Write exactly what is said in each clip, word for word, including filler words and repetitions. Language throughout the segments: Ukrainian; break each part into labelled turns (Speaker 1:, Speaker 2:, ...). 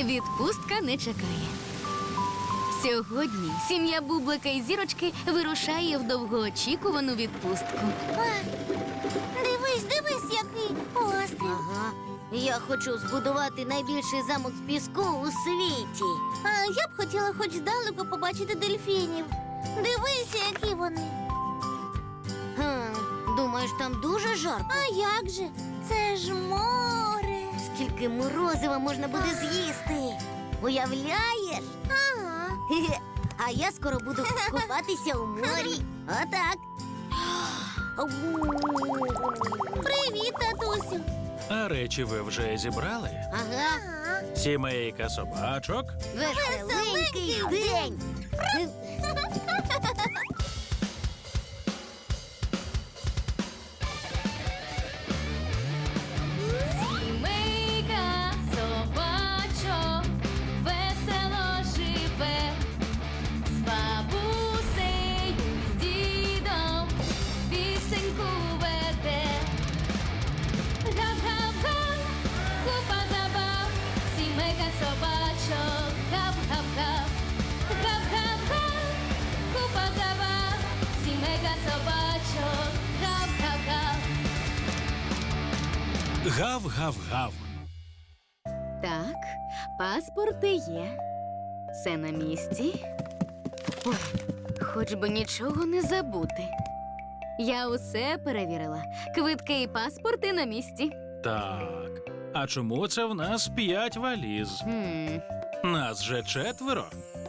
Speaker 1: відпустка не чекає. Сьогодні сім'я Бублика і Зірочки вирушає в довгоочікувану відпустку.
Speaker 2: А, дивись, дивись, який острів.
Speaker 3: Ага. Я хочу збудувати найбільший замок з піску у світі.
Speaker 2: А я б хотіла хоч здалеку побачити дельфінів. Дивися, які вони.
Speaker 3: Хм, думаєш, там дуже жарко?
Speaker 2: А як же? Це ж море.
Speaker 3: Скільки морозива можна буде з'їсти? Уявляєш?
Speaker 2: Ага.
Speaker 3: Хе-хе. А я скоро буду купатися у морі. Отак.
Speaker 2: Привіт, татусю.
Speaker 4: А речі ви вже зібрали?
Speaker 3: Ага.
Speaker 2: Ага.
Speaker 4: Сімейка собачок.
Speaker 3: Веселенький день.
Speaker 1: Сімейка собачок весело живе, з бабусею, з дідом пісеньку веде. Гап-гап-га, купа забав, сімейка собачок, гап-гап-га. Гап-гап-га, купа забав, сімейка собачок, гап-гап-га.
Speaker 4: Гав-гав-гав.
Speaker 1: Так, паспорти є. Це на місці. Ой, хоч би нічого не забути. Я усе перевірила. Квитки і паспорти на місці.
Speaker 4: Так. А чому це в нас п'ять валіз?
Speaker 1: Хм.
Speaker 4: Нас же четверо.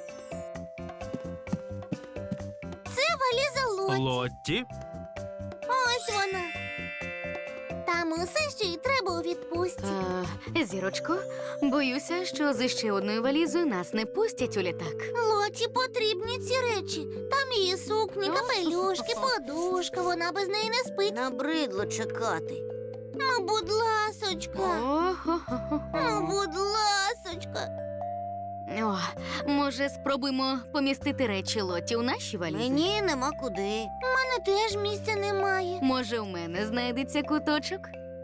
Speaker 2: Це валіза Лоті.
Speaker 4: Лотті.
Speaker 2: Ось вона. Там усе, що й треба у відпустці.
Speaker 1: А, Зірочко, боюся, що з ще одною валізою нас не пустять у літак.
Speaker 2: Лоті потрібні ці речі. Там її сукні, капелюшки, подушка. Вона без неї не спить.
Speaker 3: Набридло чекати.
Speaker 2: Ну, будь ласочка. Ну,
Speaker 1: О-хо-хо-хо.
Speaker 2: будь ласочка.
Speaker 1: О, може, спробуємо помістити речі Лоті у наші валізи?
Speaker 3: Мені нема куди.
Speaker 2: У мене теж місця немає.
Speaker 1: Може, у мене знайдеться куточок?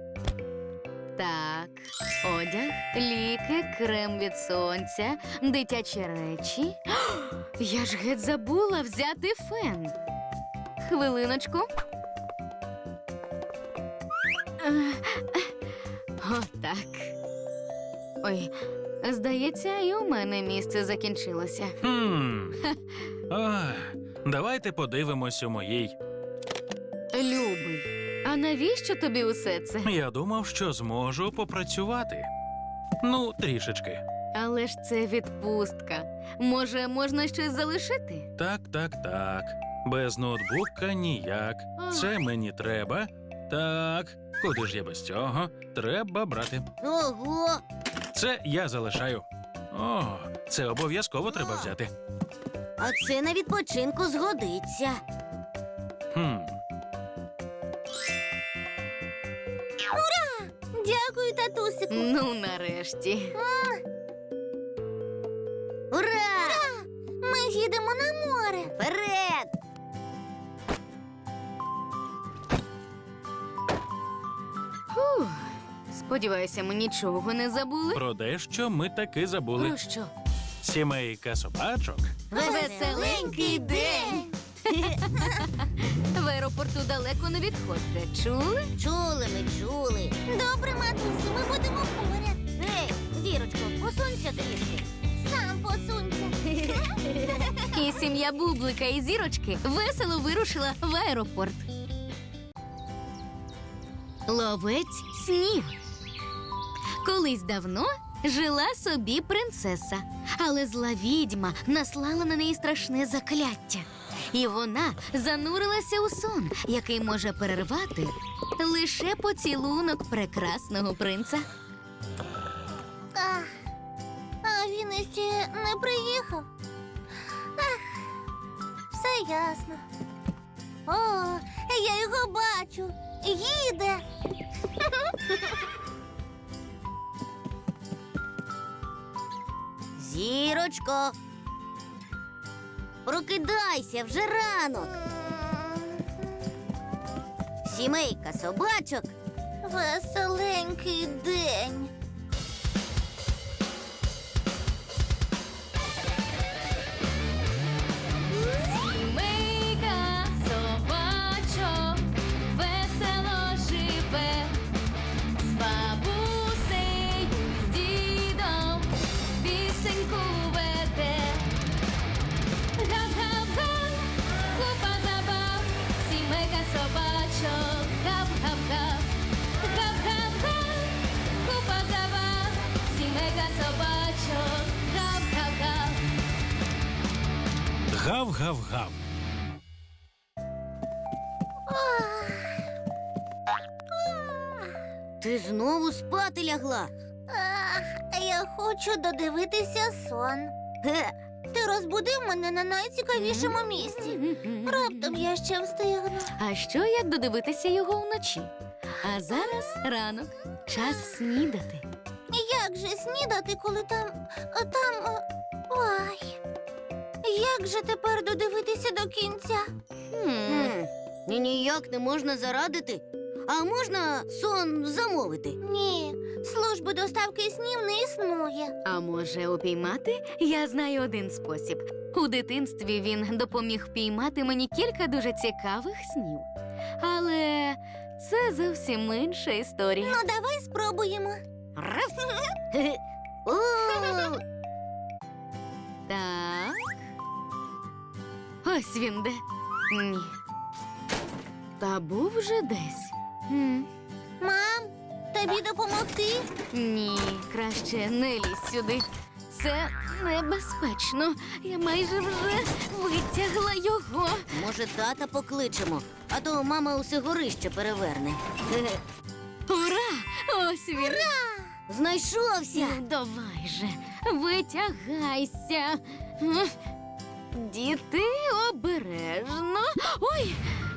Speaker 1: Так, одяг, ліки, крем від сонця, дитячі речі. Я ж геть забула взяти фен. Хвилиночку. Е, Отак. Ой, здається, і у мене місце закінчилося.
Speaker 4: Хм. Ах, давайте подивимось у моїй.
Speaker 1: Любий, а навіщо тобі усе це?
Speaker 4: Я думав, що зможу попрацювати. Ну, трішечки.
Speaker 1: Але ж це відпустка. Може, можна щось залишити?
Speaker 4: Так, так, так. Без ноутбука ніяк. Це мені треба. Так, куди ж я без цього? Треба брати.
Speaker 3: Ого!
Speaker 4: Це я залишаю. О, це обов'язково треба взяти.
Speaker 3: А це на відпочинку згодиться.
Speaker 4: Хм.
Speaker 2: Дякую, татусику.
Speaker 1: Ну, нарешті.
Speaker 3: Ура!
Speaker 2: Ми їдемо на море.
Speaker 3: Вперед!
Speaker 1: Фух. Сподіваюся, ми нічого не забули.
Speaker 4: Про дещо ми таки забули.
Speaker 1: Про що?
Speaker 4: Сімейка собачок.
Speaker 1: Веселенький день! В аеропорту далеко не відходьте. Чули?
Speaker 3: Чули ми, чули.
Speaker 2: Добре, матусю, ми будемо поряд.
Speaker 3: Ей, Зірочко, посунься трішки.
Speaker 2: Сам посунься.
Speaker 1: І сім'я Бублика і Зірочки весело вирушила в аеропорт. Ловець снів. Колись давно жила собі принцеса, але зла відьма наслала на неї страшне закляття. І вона занурилася у сон, який може перервати лише поцілунок прекрасного принца.
Speaker 2: А, а він іще не приїхав. Ах, все ясно. О, я його бачу. Їде.
Speaker 3: Зірочко. Прокидайся, вже ранок. Сімейка собачок.
Speaker 2: Веселенький день.
Speaker 4: Гав-гав-гав.
Speaker 3: Ти знову спати лягла.
Speaker 2: Ах, я хочу додивитися сон.
Speaker 3: Ге,
Speaker 2: Ти розбудив мене на найцікавішому місці. Раптом я ще встигну.
Speaker 1: А що як додивитися його вночі? А зараз ранок, час снідати.
Speaker 2: Як же снідати, коли там. там. е, Ой. Як же тепер додивитися до кінця?
Speaker 1: Хм.
Speaker 3: Хм, ні, ніяк не можна зарадити. А можна сон замовити?
Speaker 2: Ні, служби доставки снів не існує.
Speaker 1: А може, упіймати? Я знаю один спосіб. У дитинстві він допоміг впіймати мені кілька дуже цікавих снів. Але це зовсім інша історія.
Speaker 2: Ну, давай спробуємо.
Speaker 3: Раф. Хе-хе. О,
Speaker 1: Так. Ось він де. Ні. Та був вже десь. М.
Speaker 2: Мам, тобі допомогти?
Speaker 1: Ні, краще не лізь сюди. Це небезпечно. Я майже вже витягла його.
Speaker 3: може, тата покличемо, а то мама усе горище переверне. Хе-хе.
Speaker 1: Ура! Ось він.
Speaker 3: Знайшовся.
Speaker 1: Ну, давай же, витягайся. М. Діти, обережно. Ой.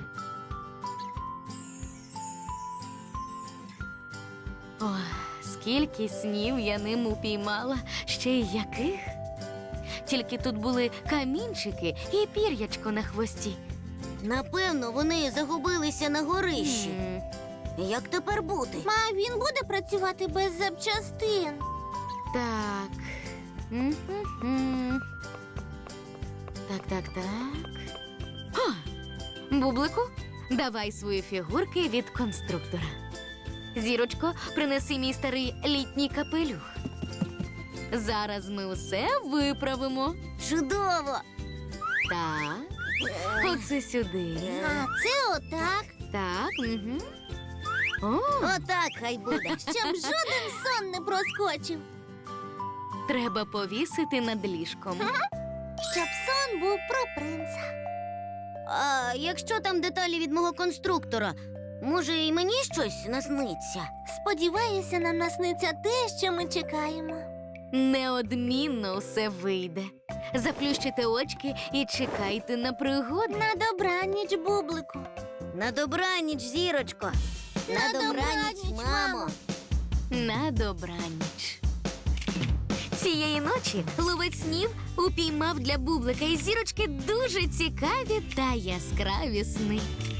Speaker 1: Ой, скільки снів я ним упіймала, ще й яких. Тільки тут були камінчики і пір'ячко на хвості.
Speaker 3: Напевно, вони загубилися на горищі.
Speaker 1: М.
Speaker 3: Як тепер бути?
Speaker 2: Ма, він буде працювати без запчастин.
Speaker 1: Так. М-м-м. Так, так, так. О! Бублику, давай свої фігурки від конструктора. Зірочко, принеси мій старий літній капелюх. Зараз ми усе виправимо.
Speaker 3: Чудово!
Speaker 1: Так. Оце сюди.
Speaker 2: А це отак,
Speaker 1: Так. Угу. О,
Speaker 3: Отак хай буде.
Speaker 2: щоб жоден сон не проскочив.
Speaker 1: треба повісити над ліжком.
Speaker 2: Щоб сон був про принца.
Speaker 3: А якщо там деталі від мого конструктора, може, і мені щось насниться?
Speaker 2: Сподіваюся, нам насниться те, що ми чекаємо.
Speaker 1: Неодмінно все вийде. Заплющите очки і чекайте на пригоди.
Speaker 2: На добраніч, бублику.
Speaker 3: На добраніч, зірочко.
Speaker 2: На добраніч, мамо.
Speaker 1: На добраніч. Цієї ночі ловець снів упіймав для бублика і зірочки дуже цікаві та яскраві сни.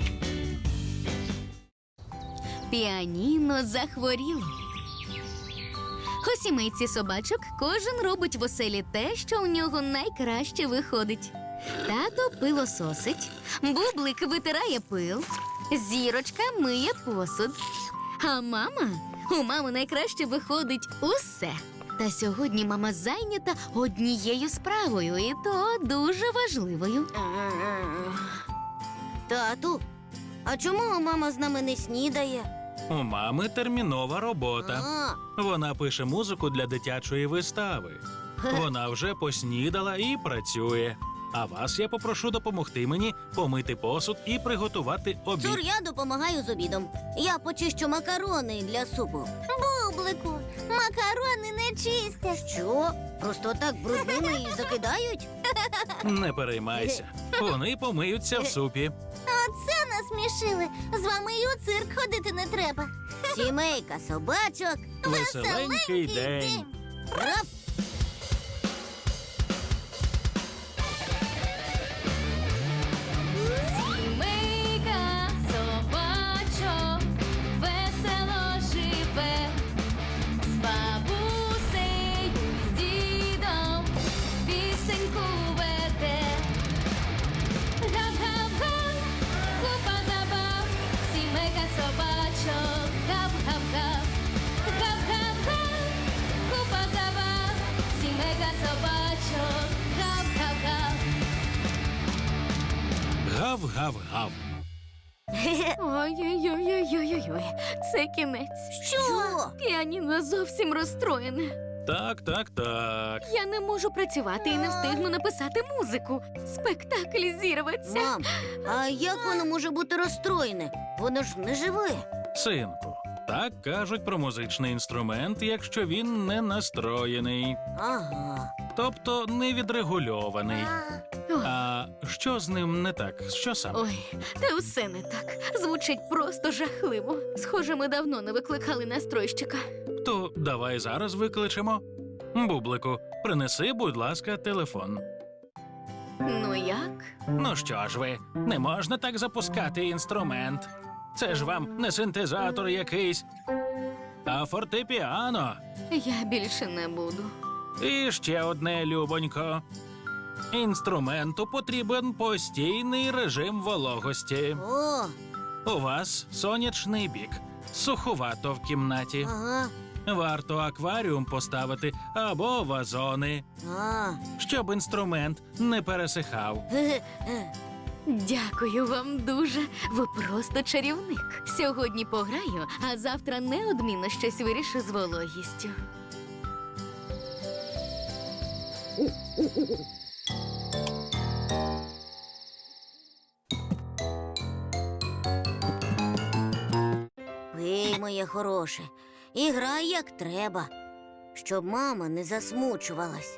Speaker 1: Піаніно захворіло. У сімейці собачок кожен робить в оселі те, що у нього найкраще виходить. Тато пилососить, бублик витирає пил, зірочка миє посуд. А мама? У мами найкраще виходить усе. Та сьогодні мама зайнята однією справою, і то дуже важливою.
Speaker 3: Тату, а чому мама з нами не снідає?
Speaker 4: У мами термінова робота.
Speaker 3: А,
Speaker 4: Вона пише музику для дитячої вистави. Вона вже поснідала і працює. А вас я попрошу допомогти мені помити посуд і приготувати обід.
Speaker 3: Цур, я допомагаю з обідом. Я почищу макарони для супу.
Speaker 2: Бублику, макарони не чистять.
Speaker 3: Що? Просто так брудними і закидають?
Speaker 4: Не переймайся. Вони помиються в супі.
Speaker 2: Оце насмішили. З вами і у цирк ходити не треба.
Speaker 3: Сімейка собачок.
Speaker 4: Веселенький день.
Speaker 3: Раф!
Speaker 1: Сімейка собачок весело живе, з бабусею, з дідом пісеньку веде. Гап-гап-га, купа забав, сімейка собачок, гап-гап-га, гап-гап-га, купа забав, сімейка собачок, гап-гап-га.
Speaker 4: Гав-гав-гав.
Speaker 1: Ой-ой-ой-ой-ой-ой, це кінець.
Speaker 3: Що?
Speaker 1: Піаніно зовсім розстроєне.
Speaker 4: Так, так, так.
Speaker 1: Я не можу працювати і не встигну написати музику. Спектакль зірветься.
Speaker 3: Мам, а як воно може бути розстроєне? Воно ж не живе.
Speaker 4: Синку, так кажуть про музичний інструмент, якщо він не настроєний,
Speaker 3: Ага.
Speaker 4: тобто не відрегульований.
Speaker 2: А,
Speaker 1: Ой,
Speaker 4: А що з ним не так? Що саме?
Speaker 1: Ой, та все не так. Звучить просто жахливо. Схоже, ми давно не викликали настройщика.
Speaker 4: То давай зараз викличемо. Бублику, принеси, будь ласка, телефон.
Speaker 1: Ну як?
Speaker 4: Ну що ж ви, не можна так запускати інструмент. Це ж вам не синтезатор якийсь, а фортепіано.
Speaker 1: Я більше не буду.
Speaker 4: І ще одне, любонько. Інструменту потрібен постійний режим вологості.
Speaker 3: О,
Speaker 4: У вас сонячний бік, суховато в кімнаті.
Speaker 3: ага.
Speaker 4: Варто акваріум поставити або вазони,
Speaker 3: А.
Speaker 4: щоб інструмент не пересихав.
Speaker 3: Ге-ге.
Speaker 1: Дякую вам дуже. Ви просто чарівник. Сьогодні пограю, а завтра неодмінно щось вирішу з вологістю.
Speaker 3: Пий, моє хороше, і грай як треба, щоб мама не засмучувалась.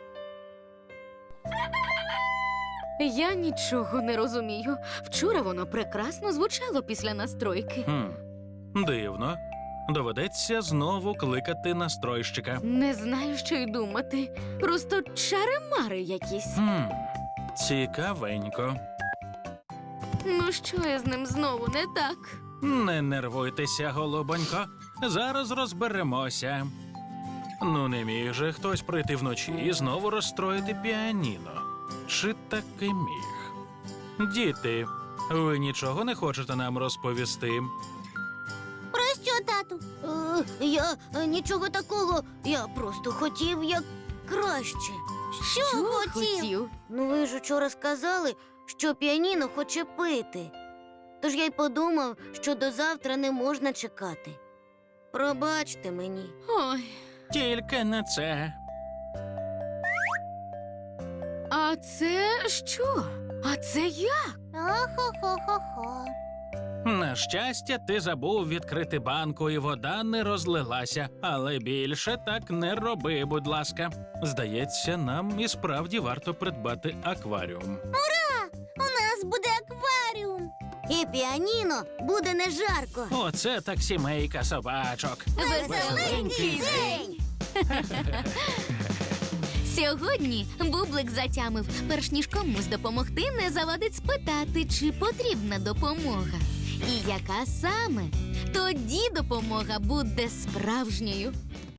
Speaker 1: Я нічого не розумію. Вчора воно прекрасно звучало після настройки.
Speaker 4: Хм, дивно. Доведеться знову кликати настройщика.
Speaker 1: Не знаю, що й думати. Просто чари-мари якісь.
Speaker 4: Хм, цікавенько.
Speaker 1: Ну що я з ним знову не так?
Speaker 4: Не нервуйтеся, голубонько. Зараз розберемося. Ну, не міг же хтось прийти вночі і знову розстроїти піаніно. Чи таки міг? Діти, ви нічого не хочете нам розповісти?
Speaker 2: про що, тату?
Speaker 3: Е, я е, нічого такого, я просто хотів як краще.
Speaker 2: Що, хотів?
Speaker 3: Ну, ви ж учора сказали, що піаніно хоче пити. Тож я й подумав, що до завтра не можна чекати. Пробачте мені.
Speaker 1: Ой,
Speaker 4: Тільки не це.
Speaker 1: а це що? А це як?
Speaker 2: Охо-хо-хо-хо.
Speaker 4: На щастя, ти забув відкрити банку, і вода не розлилася. Але більше так не роби, будь ласка. Здається, нам і справді варто придбати акваріум.
Speaker 2: У нас буде акваріум.
Speaker 3: І піаніно буде не жарко.
Speaker 4: Оце так сімейка собачок.
Speaker 1: Веселенький день. Сьогодні Бублик затямив, перш ніж комусь допомогти, не завадить спитати, чи потрібна допомога. І яка саме? Тоді допомога буде справжньою.